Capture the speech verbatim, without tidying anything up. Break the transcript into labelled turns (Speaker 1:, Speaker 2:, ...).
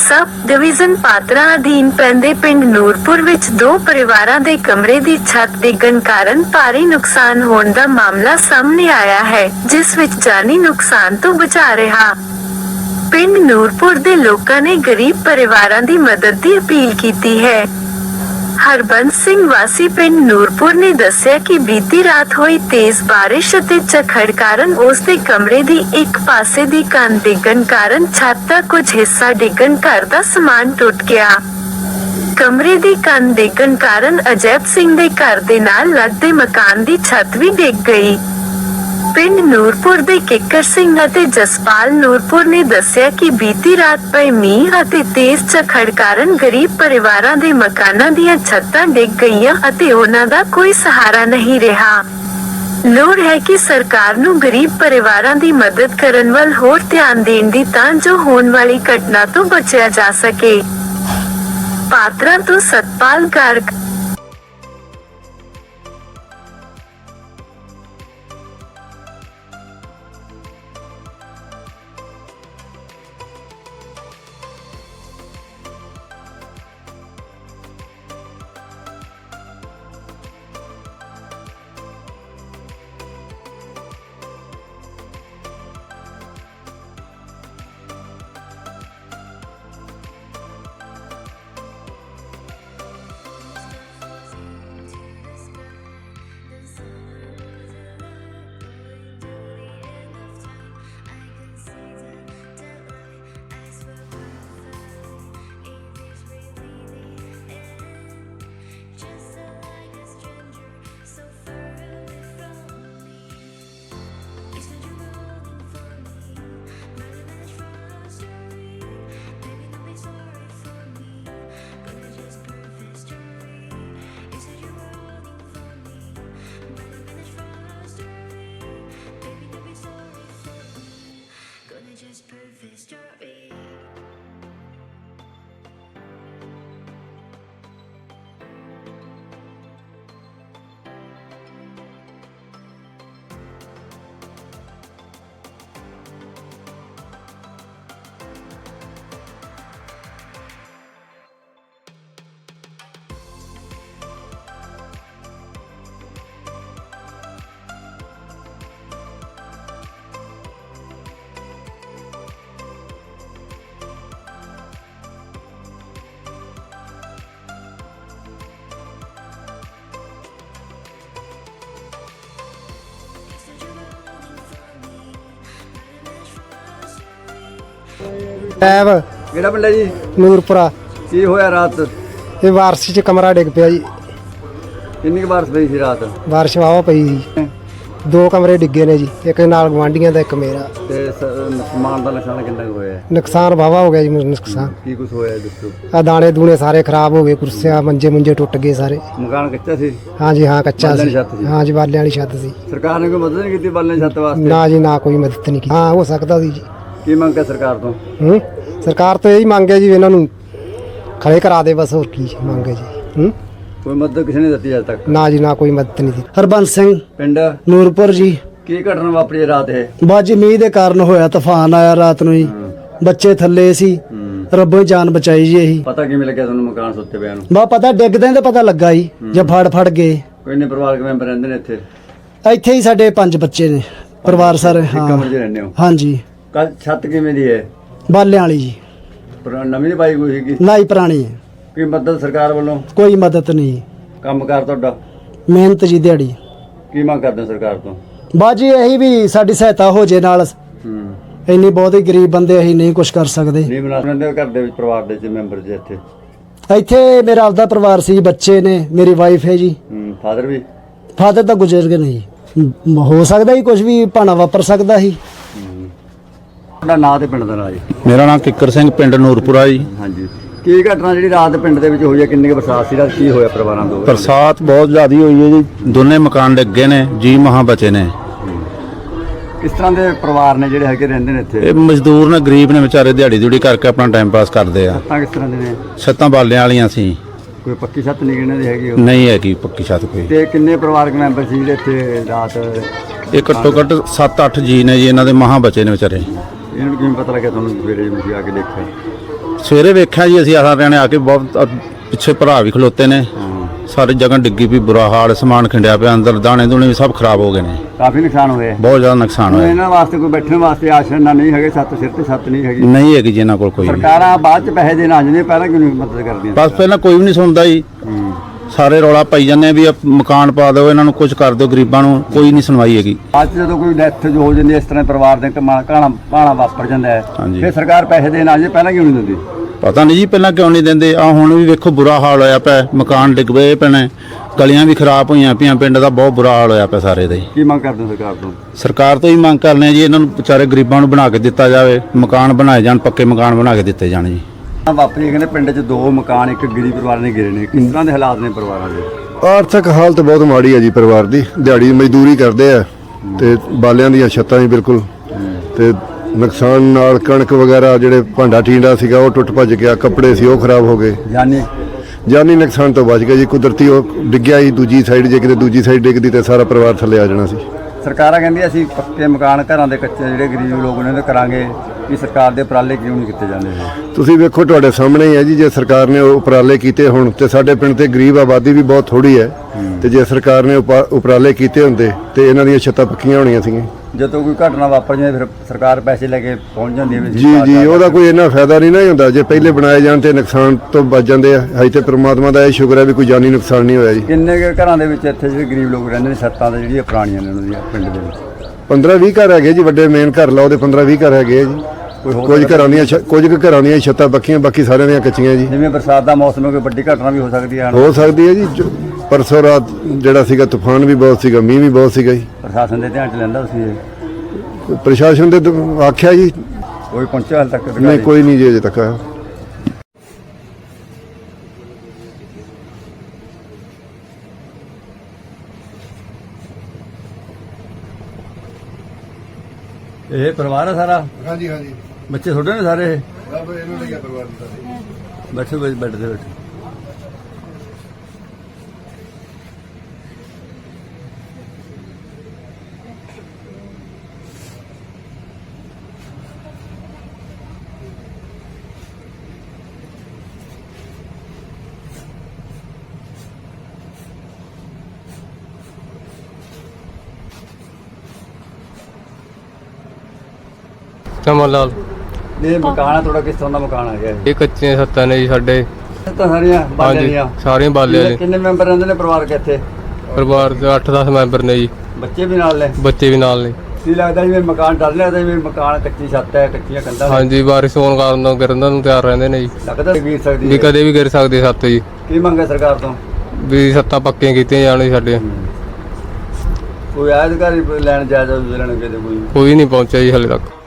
Speaker 1: Sub division Patra अधीन पैंदे पिंड ਨੂਰਪੁਰ ਵਿੱਚ ਦੋ ਪਰਿਵਾਰਾਂ ਦੇ ਕਮਰੇ ਦੀ ਛੱਤ ਡਿੱਗਣ ਕਾਰਨ ਭਾਰੀ ਨੁਕਸਾਨ ਹੋਣ ਦਾ ਮਾਮਲਾ ਸਾਹਮਣੇ ਆਇਆ ਹੈ, ਜਿਸ ਵਿੱਚ ਜਾਨੀ ਨੁਕਸਾਨ ਤੋਂ ਬਚਾ ਰਿਹਾ ਪਿੰਡ ਨੂਰਪੁਰ ਦੇ ਲੋਕਾਂ ਨੇ ਗਰੀਬ ਪਰਿਵਾਰਾਂ ਦੀ ਮਦਦ ਦੀ ਅਪੀਲ ਕੀਤੀ ਹੈ। ਹਰਬੰਸ ਸਿੰਘ ਵਾਸੀ ਪਿੰਡ ਨੂਰਪੁਰ ਨੇ ਦੱਸਿਆ ਕਿ ਬੀਤੀ ਰਾਤ ਹੋਈ ਤੇਜ਼ ਬਾਰਿਸ਼ ਅਤੇ ਝੱਖੜ ਕਾਰਨ ਉਸ ਦੇ ਕਮਰੇ ਦੀ ਇੱਕ ਪਾਸੇ ਦੀ ਕੰਧ ਡਿੱਗਣ ਕਾਰਨ ਛੱਤ ਦਾ ਕੁਝ ਹਿੱਸਾ ਡਿੱਗਣ ਘਰ ਦਾ ਸਮਾਨ ਟੁੱਟ ਗਿਆ। ਕਮਰੇ ਦੀ ਕੰਧ ਡਿੱਗਣ ਕਾਰਨ ਅਜੈਬ ਸਿੰਘ ਦੇ ਘਰ ਦੇ ਨਾਲ ਲੱਗਦੇ ਮਕਾਨ ਦੀ ਛੱਤ ਵੀ ਡਿੱਗ ਗਈ। ਪਿੰਡ ਨੂਰਪੁਰ ਦੇ ਕਿੱਕਰ ਸਿੰਘ ਅਤੇ ਜਸਪਾਲ ਨੂਰਪੁਰ ਨੇ ਦੱਸਿਆ ਕਿ ਬੀਤੀ ਰਾਤ ਪਏ ਮੀਂਹ ਅਤੇ ਤੇਜ਼ ਝੱਖੜ ਕਾਰਨ ਗਰੀਬ ਪਰਿਵਾਰਾਂ ਦੇ ਮਕਾਨਾਂ ਦੀਆਂ ਛੱਤਾਂ ਡਿੱਗ ਗਈਆਂ ਅਤੇ ਉਹਨਾਂ ਦਾ ਕੋਈ ਸਹਾਰਾ ਨਹੀਂ ਰਿਹਾ। ਲੋੜ ਹੈ ਕਿ ਸਰਕਾਰ ਨੂੰ ਗਰੀਬ ਪਰਿਵਾਰਾਂ ਦੀ ਮਦਦ ਕਰਨ ਵੱਲ ਹੋਰ ਧਿਆਨ ਦੇਣ ਦੀ ਤਾਂ ਜੋ ਹੋਣ ਵਾਲੀ ਘਟਨਾ ਤੋਂ ਬਚਿਆ ਜਾ ਸਕੇ। ਪਾਤਰਾ ਤੋਂ Satpal Garg. Just prove this story.
Speaker 2: ਐਬ
Speaker 3: ਕਿਹੜਾ ਪਿੰਡ ਹੈ ਜੀ?
Speaker 2: ਨੂਰਪੁਰਾ।
Speaker 3: ਕੀ ਹੋਇਆ ਰਾਤ?
Speaker 2: ਇਹ ਬਾਰਿਸ਼ 'ਚ ਕਮਰਾ ਡਿੱਗ ਪਿਆ ਜੀ।
Speaker 3: ਕਿੰਨੀ ਕੁ ਬਾਰਿਸ਼ ਪਈ ਸੀ ਰਾਤ?
Speaker 2: ਬਾਰਿਸ਼ ਵਾਹਵਾ ਪਈ ਜੀ। ਦੋ ਕਮਰੇ ਡਿੱਗੇ ਨੇ ਜੀ, ਇੱਕ ਨਾਲ ਗਵਾਂਢੀਆਂ ਦਾ, ਇੱਕ ਮੇਰਾ।
Speaker 3: ਤੇ ਸਮਾਨ ਦਾ ਨੁਕਸਾਨ ਕਿੰਨਾ ਕੁ ਹੋਇਆ?
Speaker 2: ਨੁਕਸਾਨ ਵਾਹਵਾ ਹੋ ਗਿਆ ਜੀ। ਨੁਕਸਾਨ
Speaker 3: ਕੀ ਕੁਝ ਹੋਇਆ ਦੱਸੋ?
Speaker 2: ਆ ਦਾਣੇ ਦੂਣੇ ਸਾਰੇ ਖਰਾਬ ਹੋ ਗਏ, ਕੁਰਸੀਆਂ ਮੰਜੇ ਮੁੰਜੇ ਟੁੱਟ ਗਏ ਸਾਰੇ।
Speaker 3: ਮਕਾਨ ਕੱਚਾ ਸੀ?
Speaker 2: ਹਾਂਜੀ ਹਾਂ ਕੱਚਾ
Speaker 3: ਬਾਲਿਆਂ
Speaker 2: ਸੀ।
Speaker 3: ਦੀ ਛੱਤ ਸੀ?
Speaker 2: ਹਾਂਜੀ ਬਾਲਿਆਂ ਵਾਲੀ ਛੱਤ ਸੀ।
Speaker 3: ਸਰਕਾਰ ਨੇ ਕੋਈ ਮਦਦ ਨਹੀਂ ਕੀਤੀ ਬਾਲਿਆਂ ਦੀ ਛੱਤ ਵਾਸਤੇ?
Speaker 2: ਨਾ ਜੀ ਨਾ, ਕੋਈ ਮਦਦ ਨਹੀਂ ਕੀਤੀ। ਹਾਂ ਹੋ ਸਕਦਾ ਸੀ ਜੀ।
Speaker 3: ਕੀ ਮੰਗ ਹੈ ਸਰਕਾਰ ਤੋਂ?
Speaker 2: ਹੂੰ ਸਰਕਾਰ ਤੋਂ ਇਹੀ ਮੰਗ ਹੈ ਜੀ, ਇਹਨਾਂ ਨੂੰ ਖੜੇ ਕਰਾ ਦੇ ਬਸ, ਹੋਰ ਕੀ ਮੰਗ ਹੈ ਜੀ। ਹੂੰ
Speaker 3: ਕੋਈ ਮਦਦ ਕਿਸੇ ਨੇ ਦਿੱਤੀ ਅਜੇ ਤੱਕ?
Speaker 2: ਨਾ ਜੀ ਨਾ, ਕੋਈ ਮਦਦ ਨਹੀਂ ਦਿੱਤੀ।
Speaker 4: ਹਰਬੰਸ ਸਿੰਘ
Speaker 3: ਪਿੰਡ
Speaker 4: ਨੂਰਪੁਰ ਜੀ।
Speaker 3: ਕੀ ਘਟਨਾ ਵਾਪਰੀ ਹੈ ਰਾਤ ਇਹ?
Speaker 4: ਬਾਜੀ ਮੀਂਹ ਦੇ ਕਾਰਨ ਹੋਇਆ, ਤੂਫਾਨ ਆਇਆ ਰਾਤ ਨੂੰ ਜੀ। ਬੱਚੇ ਥੱਲੇ ਸੀ, ਰੱਬੋ ਹੀ ਜਾਨ ਬਚਾਈ ਜੀ। ਇਹੀ
Speaker 3: ਪਤਾ ਕਿਵੇਂ ਲੱਗਿਆ ਤੁਹਾਨੂੰ ਮਕਾਨ ਸੁੱਤੇ ਪਿਆ ਨੂੰ?
Speaker 4: ਬਾ ਪਤਾ ਡਿੱਗਦੇ ਤਾਂ ਪਤਾ ਲੱਗਾ ਜੀ, ਜੇ ਫੜ ਫੜ ਗਏ।
Speaker 3: ਕੋਈ ਨੇ ਪਰਿਵਾਰਕ ਮੈਂਬਰ ਰਹਿੰਦੇ ਨੇ ਇੱਥੇ?
Speaker 4: ਇੱਥੇ ਹੀ ਸਾਡੇ ਪੰਜ ਬੱਚੇ ਨੇ, ਪਰਿਵਾਰ ਸਾਰੇ।
Speaker 3: ਇੱਕ
Speaker 4: ਹਾਂ
Speaker 3: ਕਮਰੇ 'ਚ ਰਹਿੰਦੇ ਹੋ?
Speaker 4: ਹਾਂਜੀ।
Speaker 3: ਕੱਲ ਛੱਤ ਕਿਵੇਂ ਦੀ ਹੈ?
Speaker 4: ਬਾਲਿਆਂ ਵਾਲੀ ਜੀ।
Speaker 3: ਪੁਰਾ- ਨਵੀਂ ਨਹੀਂ ਪਾਈ ਕੋਈ ਸੀਗੀ?
Speaker 4: ਨਾ ਹੀ ਪੁਰਾਣੀ ਹੈ।
Speaker 3: ਕੋਈ ਮਦਦ ਸਰਕਾਰ ਵੱਲੋਂ?
Speaker 4: ਕੋਈ ਮਦਦ ਨਹੀਂ।
Speaker 3: ਕੰਮਕਾਰ ਤੁਹਾਡਾ?
Speaker 4: ਮਿਹਨਤ ਜੀ ਦਿਹਾੜੀ।
Speaker 3: ਕੀ ਮੰਗ ਕਰਦੇ ਹੋ ਸਰਕਾਰ ਤੋਂ?
Speaker 4: ਬਾਜੀ ਇਹੀ ਵੀ ਸਾਡੀ ਸਹਾਇਤਾ ਹੋ ਜੇ ਨਾਲ।
Speaker 3: ਹੂੰ
Speaker 4: ਇੰਨੀ ਬਹੁਤ ਹੀ ਗਰੀਬ ਬੰਦੇ, ਅਸੀਂ ਨਹੀਂ ਕੁਝ ਕਰ ਸਕਦੇ।
Speaker 3: ਨਹੀਂ ਬਣਾ ਸਕਦੇ ਘਰ ਦੇ ਵਿੱਚ, ਪਰਿਵਾਰ ਦੇ ਵਿੱਚ ਮੈਂਬਰ ਜੀ ਇੱਥੇ?
Speaker 4: ਇੱਥੇ ਮੇਰਾ ਆਪਦਾ ਪਰਿਵਾਰ ਸੀ, ਬੱਚੇ ਨੇ, ਮੇਰੀ ਵਾਈਫ ਹੈ ਜੀ।
Speaker 3: ਹੂੰ ਫਾਦਰ ਵੀ?
Speaker 4: ਫਾਦਰ ਤਾਂ ਗੁਜ਼ਰ ਗਏ ਨਹੀਂ। ਹੋ ਸਕਦਾ ਹੀ ਕੁਝ ਵੀ ਭਾਣਾ ਵਾਪਰ ਸਕਦਾ ਸੀ।
Speaker 3: ਤੁਹਾਡਾ ਨਾਂ ਤੇ ਪਿੰਡ ਦਾ ਨਾਂ ਜੀ?
Speaker 5: ਮੇਰਾ ਨਾਮ ਕਿੱਕਰ ਸਿੰਘ, ਪਿੰਡ ਨੂਰਪੁਰਾ ਜੀ।
Speaker 3: ਹਾਂਜੀ। ਕੀ ਘਟਨਾ ਜਿਹੜੀ ਰਾਤ ਪਿੰਡ ਦੇ ਵਿੱਚ ਹੋਈ ਹੈ? ਕਿੰਨੀ ਕੁ ਬਰਸਾਤ ਸੀ ਰਾਤ? ਕੀ ਹੋਇਆ ਪਰਿਵਾਰਾਂ ਤੋਂ?
Speaker 5: ਬਰਸਾਤ ਬਹੁਤ ਜ਼ਿਆਦਾ ਹੋਈ ਹੈ ਜੀ। ਦੋਨੇ ਮਕਾਨ ਡਿੱਗੇ ਨੇ ਜੀ, ਮਹਾਂ ਬਚੇ ਨੇ।
Speaker 3: ਕਿਸ ਤਰ੍ਹਾਂ ਦੇ ਪਰਿਵਾਰ ਨੇ ਜਿਹੜੇ ਹੈਗੇ ਰਹਿੰਦੇ ਨੇ ਇੱਥੇ?
Speaker 5: ਇਹ ਮਜ਼ਦੂਰ ਨੇ, ਗਰੀਬ ਨੇ ਵਿਚਾਰੇ, ਦਿਹਾੜੀ ਦਿਹੜੀ ਕਰਕੇ ਆਪਣਾ ਟਾਈਮ ਪਾਸ ਕਰਦੇ ਆ।
Speaker 3: ਛੱਤਾਂ ਕਿਸ ਤਰ੍ਹਾਂ ਦੇ ਨੇ?
Speaker 5: ਛੱਤਾਂ ਬਾਲਿਆਂ ਵਾਲੀਆਂ ਸੀ,
Speaker 3: ਕੋਈ ਪੱਕੀ ਛੱਤ ਨਹੀਂ ਇਹਨਾਂ ਦੀ ਹੈਗੀ? ਉਹ
Speaker 5: ਨਹੀਂ ਹੈਗੀ ਪੱਕੀ ਛੱਤ ਕੋਈ।
Speaker 3: ਤੇ ਕਿੰਨੇ ਪਰਿਵਾਰਕ ਮੈਂਬਰ ਸੀ ਜਿਹੜੇ ਇੱਥੇ ਰਾਤ?
Speaker 5: ਇਹ ਘੱਟੋ ਘੱਟ ਸੱਤ ਅੱਠ ਜੀ ਨੇ ਜੀ, ਇਹਨਾਂ ਦੇ ਮਹਾਂ ਬਚੇ ਨੇ ਵਿਚਾਰੇ।
Speaker 3: ਇਹਨਾਂ ਨੂੰ ਕਿਵੇਂ ਪਤਾ ਲੱਗਿਆ ਤੁਹਾਨੂੰ ਸਵੇਰੇ ਤੁਸੀਂ ਆ ਕੇ ਦੇਖਿਆ?
Speaker 5: ਸਵੇਰੇ ਵੇਖਿਆ ਜੀ ਅਸੀਂ ਸਾਰਿਆਂ ਨੇ ਆ ਕੇ ਬਹੁਤ ਅ, ਪਿੱਛੇ ਭਰਾ ਵੀ ਖਲੋਤੇ ਨੇ ਸਾਰੀ ਜਗ੍ਹਾ ਡਿੱਗੀ ਵੀ ਬੁਰਾ ਹਾਲ ਸਮਾਨ ਖਿੰਡਿਆ ਪਿਆ ਅੰਦਰ ਦਾਣੇ ਦੂਣੇ ਵੀ ਸਭ ਖਰਾਬ ਹੋ ਗਏ ਨੇ
Speaker 3: ਕਾਫੀ ਨੁਕਸਾਨ ਹੋਇਆ
Speaker 5: ਬਹੁਤ ਜ਼ਿਆਦਾ ਨੁਕਸਾਨ
Speaker 3: ਹੁਣ
Speaker 5: ਹੋਇਆ
Speaker 3: ਇਹਨਾਂ ਵਾਸਤੇ ਕੋਈ ਬੈਠਣ ਵਾਸਤੇ ਆਸ਼ਰਮ ਨਾ ਨਹੀਂ ਹੈਗੇ, ਸੱਤ ਸਿਰ ਤੇ ਸੱਤ ਨਹੀਂ ਹੈਗੀ।
Speaker 5: ਨਹੀਂ ਹੈਗੀ ਜੀ ਇਹਨਾਂ ਕੋਲ ਕੋਈ ਵੀ।
Speaker 3: ਸਰਕਾਰਾਂ ਬਾਅਦ ਚ ਪੈਸੇ ਦੇਣ ਆ ਜਾਂਦੀਆਂ, ਪਹਿਲਾਂ ਕਿਉਂ ਨਹੀਂ ਮਦਦ ਕਰਦੀਆਂ?
Speaker 5: ਬਸ ਪਹਿਲਾਂ ਕੋਈ ਵੀ ਨਹੀਂ ਸੁਣਦਾ ਜੀ ਸਾਰੇ ਰੌਲਾ ਪਾਈ ਜਾਂਦੇ ਆ ਵੀ ਆਹ ਮਕਾਨ ਪਾ ਦਿਓ ਇਹਨਾਂ ਨੂੰ ਕੁਝ ਕਰ ਦਿਓ ਗਰੀਬਾਂ ਨੂੰ ਕੋਈ ਨਹੀਂ ਸੁਣਵਾਈ ਹੈਗੀ।
Speaker 3: ਬਾਅਦ ਚ ਜਦੋਂ ਕੋਈ ਡੈਥ ਹੋ ਜਾਂਦੀ ਹੈ, ਇਸ ਤਰ੍ਹਾਂ ਪਰਿਵਾਰ ਦੇ ਕਮਾ ਕਾਣਾ ਪਾਣਾ ਵਾਪਰ ਜਾਂਦਾ ਹੈ,
Speaker 5: ਹਾਂਜੀ।
Speaker 3: ਫਿਰ ਸਰਕਾਰ ਪੈਸੇ ਦੇਣ ਆ ਜਾਂਦੀ, ਪਹਿਲਾਂ ਕਿਉਂ ਨਹੀਂ ਦਿੰਦੀ?
Speaker 5: ਪਤਾ ਨਹੀਂ ਜੀ ਪਹਿਲਾਂ ਕਿਉਂ ਨਹੀਂ ਦਿੰਦੇ। ਆ ਹੁਣ ਵੀ ਵੇਖੋ ਬੁਰਾ ਹਾਲ ਹੋਇਆ ਪਿਆ, ਮਕਾਨ ਡਿੱਗ ਪਏ ਪਏ ਨੇ, ਗਲੀਆਂ ਵੀ ਖਰਾਬ ਹੋਈਆਂ ਪਈਆਂ, ਪਿੰਡ ਦਾ ਬਹੁਤ ਬੁਰਾ ਹਾਲ ਹੋਇਆ ਪਿਆ ਸਾਰੇ ਦਾ ਹੀ।
Speaker 3: ਕੀ ਮੰਗ ਕਰਦੇ ਹੋ ਸਰਕਾਰ ਤੋਂ?
Speaker 5: ਸਰਕਾਰ ਤੋਂ ਹੀ ਮੰਗ ਕਰਨੇ ਆ ਜੀ ਇਹਨਾਂ ਨੂੰ ਵਿਚਾਰੇ ਗਰੀਬਾਂ ਨੂੰ ਬਣਾ ਕੇ ਦਿੱਤਾ ਜਾਵੇ, ਮਕਾਨ ਬਣਾਏ ਜਾਣ, ਪੱਕੇ ਮਕਾਨ ਬਣਾ ਕੇ ਦਿੱਤੇ ਜਾਣ ਜੀ।
Speaker 3: ਵਾਪਰੀ ਕਹਿੰਦੇ ਪਿੰਡ 'ਚ ਦੋ ਮਕਾਨ ਇੱਕ ਗਰੀਬ ਪਰਿਵਾਰ ਨੇ ਗਿਰੇ ਨੇ, ਕਿਸ ਤਰ੍ਹਾਂ ਦੇ ਹਾਲਾਤ ਨੇ ਪਰਿਵਾਰਾਂ ਦੇ?
Speaker 6: ਆਰਥਿਕ ਹਾਲਤ ਬਹੁਤ ਮਾੜੀ ਹੈ ਜੀ ਪਰਿਵਾਰ ਦੀ। ਦਿਹਾੜੀ ਮਜ਼ਦੂਰੀ ਕਰਦੇ ਆ ਤੇ ਬਾਲਿਆਂ ਦੀਆਂ ਛੱਤਾਂ ਹੀ ਬਿਲਕੁਲ, ਤੇ ਨੁਕਸਾਨ ਨਾਲ ਕਣਕ ਵਗੈਰਾ ਜਿਹੜੇ ਭਾਂਡਾ ਟੀਂਡਾ ਸੀਗਾ ਉਹ ਟੁੱਟ ਭੱਜ ਗਿਆ, ਕੱਪੜੇ ਸੀ ਉਹ ਖਰਾਬ ਹੋ ਗਏ।
Speaker 3: ਜਾਨੀ
Speaker 6: ਜਾਨੀ ਨੁਕਸਾਨ ਤੋਂ ਬਚ ਗਿਆ ਜੀ, ਕੁਦਰਤੀ ਉਹ ਡਿੱਗਿਆ ਹੀ ਦੂਜੀ ਸਾਈਡ, ਜੇ ਕਿਤੇ ਦੂਜੀ ਸਾਈਡ ਡਿੱਗਦੀ ਤੇ ਸਾਰਾ ਪਰਿਵਾਰ ਥੱਲੇ ਆ ਜਾਣਾ ਸੀ।
Speaker 3: ਸਰਕਾਰਾਂ ਕਹਿੰਦੀਆਂ ਅਸੀਂ ਪੱਕੇ ਮਕਾਨ ਘਰਾਂ ਦੇ ਕੱਚੇ ਜਿਹੜੇ ਗਰੀਬ ਲੋਕ ਨੇ ਉਹਦੇ ਕਰਾਂਗੇ, ਵੀ ਸਰਕਾਰ ਦੇ ਉਪਰਾਲੇ ਕਿਉਂ ਨਹੀਂ ਕੀਤੇ ਜਾਂਦੇ?
Speaker 6: ਤੁਸੀਂ ਵੇਖੋ ਤੁਹਾਡੇ ਸਾਹਮਣੇ ਹੀ ਹੈ ਜੀ, ਜੇ ਸਰਕਾਰ ਨੇ ਉਹ ਉਪਰਾਲੇ ਕੀਤੇ ਹੁਣ ਤੇ ਸਾਡੇ ਪਿੰਡ ਤੇ ਗਰੀਬ ਆਬਾਦੀ ਵੀ ਬਹੁਤ ਥੋੜੀ ਹੈ, ਤੇ ਜੇ ਸਰਕਾਰ ਨੇ ਉਪਾ- ਉਪਰਾਲੇ ਕੀਤੇ ਹੁੰਦੇ ਤੇ ਇਹਨਾਂ ਦੀਆਂ ਛੱਤਾਂ ਪੱਕੀਆਂ ਹੋਣੀਆਂ ਸੀਗੀਆਂ। ਜਦੋਂ
Speaker 3: ਕੋਈ ਘਟਨਾ ਵਾਪਰ ਜਾਂਦੀ ਫਿਰ ਸਰਕਾਰ ਪੈਸੇ ਲੈ ਕੇ ਪਹੁੰਚ ਜਾਂਦੀ ਹੈ ਵੀ
Speaker 6: ਜੀ ਜੀ ਉਹਦਾ ਕੋਈ ਇੰਨਾ ਫਾਇਦਾ ਨਹੀਂ ਨਾ ਹੁੰਦਾ, ਜੇ ਪਹਿਲੇ ਬਣਾਏ ਜਾਣ ਤੇ ਨੁਕਸਾਨ ਤੋਂ ਬਚ ਜਾਂਦੇ ਆ। ਹਜੇ ਤੇ ਪ੍ਰਮਾਤਮਾ ਦਾ ਇਹ ਸ਼ੁਕਰ ਹੈ ਵੀ ਕੋਈ ਜਾਨੀ ਨੁਕਸਾਨ ਨਹੀਂ ਹੋਇਆ ਜੀ।
Speaker 3: ਕਿੰਨੇ ਕੁ ਘਰਾਂ ਦੇ ਵਿੱਚ ਇੱਥੇ ਜਿਹੜੇ ਗਰੀਬ ਲੋਕ ਰਹਿੰਦੇ ਨੇ, ਛੱਤਾਂ ਤੇ ਜਿਹੜੀਆਂ ਪੁਰਾਣੀਆਂ ਨੇ ਉਹਨਾਂ ਦੀਆਂ ਪਿੰਡ ਦੇ ਵਿੱਚ?
Speaker 6: ਪੰਦਰਾਂ ਵੀਹ ਘਰ ਹੈਗੇ ਜੀ, ਵੱਡੇ ਮੇਨ ਘਰ ਲਾਓ ਤੇ ਪੰਦਰਾਂ ਵੀਹ ਘਰ ਹੈਗੇ ਆ ਜੀ। ਕੁਝ ਘਰਾਂ ਦੀਆਂ ਛ- ਕੁਝ ਕੁ ਘਰਾਂ ਦੀਆਂ ਛੱਤਾਂ ਪੱਕੀਆਂ, ਬਾਕੀ ਸਾਰਿਆਂ ਦੀਆਂ ਕੱਚੀਆਂ ਜੀ।
Speaker 3: ਜਿਵੇਂ ਬਰਸਾਤ ਦਾ ਮੌਸਮ ਹੈ, ਕੋਈ ਵੱਡੀ ਘਟਨਾ ਵੀ ਹੋ ਸਕਦੀ ਹੈ।
Speaker 6: ਹੋ ਸਕਦੀ ਹੈ ਜੀ। ਜੋ- ਪਰਸੋਂ ਰਾਤ ਜਿਹੜਾ ਸੀਗਾ ਤੂਫਾਨ ਵੀ ਬਹੁਤ ਸੀਗਾ, ਮੀਂਹ ਵੀ ਬਹੁਤ ਸੀਗਾ ਜੀ।
Speaker 3: ਪ੍ਰਸ਼ਾਸਨ ਦੇ ਧਿਆਨ ਚ ਲੈਂਦਾ ਤੁਸੀਂ ਇਹ?
Speaker 6: ਪ੍ਰਸ਼ਾਸਨ ਦੇ ਦ- ਆਖਿਆ ਜੀ,
Speaker 3: ਕੋਈ ਪਹੁੰਚਿਆ ਹਾਲ ਤੱਕ?
Speaker 6: ਨਹੀਂ ਕੋਈ ਨਹੀਂ ਜੀ ਅਜੇ ਤੱਕ ਆਇਆ।
Speaker 3: ਇਹ ਪਰਿਵਾਰ ਹੈ ਸਾਰਾ?
Speaker 6: ਹਾਂਜੀ ਹਾਂਜੀ,
Speaker 3: ਬੱਚੇ ਛੋਟੇ ਨੇ ਸਾਰੇ?
Speaker 6: ਰੱਬ ਇਹਨਾਂ ਦਾ ਪਰਿਵਾਰ ਦਾ।
Speaker 3: ਬੈਠੇ ਬੈਠ ਬੈਠ ਦੇ ਬੈਠੇ।
Speaker 7: ਚਮਨ ਲਾਲ।
Speaker 3: ਇਹ ਮਕਾਨ ਆ ਤੁਹਾਡਾ, ਕਿਸ ਤਰ੍ਹਾਂ ਦਾ ਮਕਾਨ ਆ ਗਿਆ ਇਹ?
Speaker 7: ਇਹ ਕੱਚੀਆਂ ਛੱਤਾਂ ਨੇ ਜੀ ਸਾਡੇ।
Speaker 3: ਤਾਂ ਸਾਰੀਆਂ ਬਾਲਿਆਂ
Speaker 7: ਹਾਂਜੀ
Speaker 3: ਦੀਆਂ?
Speaker 7: ਸਾਰੀਆਂ ਬਾਲੇ ਵਾਲੇ।
Speaker 3: ਕਿੰਨੇ ਮੈਂਬਰ ਰਹਿੰਦੇ ਨੇ ਪਰਿਵਾਰ ਕੇ ਇੱਥੇ?
Speaker 7: ਪਰਿਵਾਰ ਦੇ ਅੱਠ ਦਸ ਮੈਂਬਰ ਨੇ ਜੀ,
Speaker 3: ਬੱਚੇ ਵੀ ਨਾਲ ਨੇ?
Speaker 7: ਬੱਚੇ ਵੀ ਨਾਲ ਨੇ।
Speaker 3: ਕੀ ਲੱਗਦਾ ਜਿਵੇਂ ਮਕਾਨ ਡਰ ਲੱਗਦਾ ਜਿਵੇਂ ਮਕਾਨ ਕੱਚੀ ਛੱਤ ਹੈ, ਕੱਚੀਆਂ ਕੰਧਾਂ ਨੇ?
Speaker 7: ਹਾਂਜੀ ਬਾਰਿਸ਼ ਹੋਣ ਕਾਰਨ ਤੋਂ ਗਿਰਨ ਨੂੰ ਤਿਆਰ ਰਹਿੰਦੇ ਨੇ ਜੀ,
Speaker 3: ਲੱਗਦਾ ਗਿਰ ਸਕਦੀ
Speaker 7: ਵੀ
Speaker 3: ਹੈ?
Speaker 7: ਕਦੇ ਵੀ ਗਿਰ ਸਕਦੇ ਛੱਤ ਜੀ।
Speaker 3: ਕੀ ਮੰਗੇ ਸਰਕਾਰ ਤੋਂ?
Speaker 7: ਵੀ ਛੱਤਾਂ ਪੱਕੀਆਂ ਕੀਤੀਆਂ ਜਾਣ ਜੀ ਸਾਡੇ।
Speaker 3: ਕੋਈ ਆਇਆ ਅਧਿਕਾਰੀ ਲੈਣ ਜਾਇਜ਼ਾ ਲੈਣ ਕਿਤੇ ਕੋਈ?
Speaker 7: ਕੋਈ ਨਹੀਂ ਪਹੁੰਚਿਆ ਜੀ ਹਾਲੇ ਤੱਕ।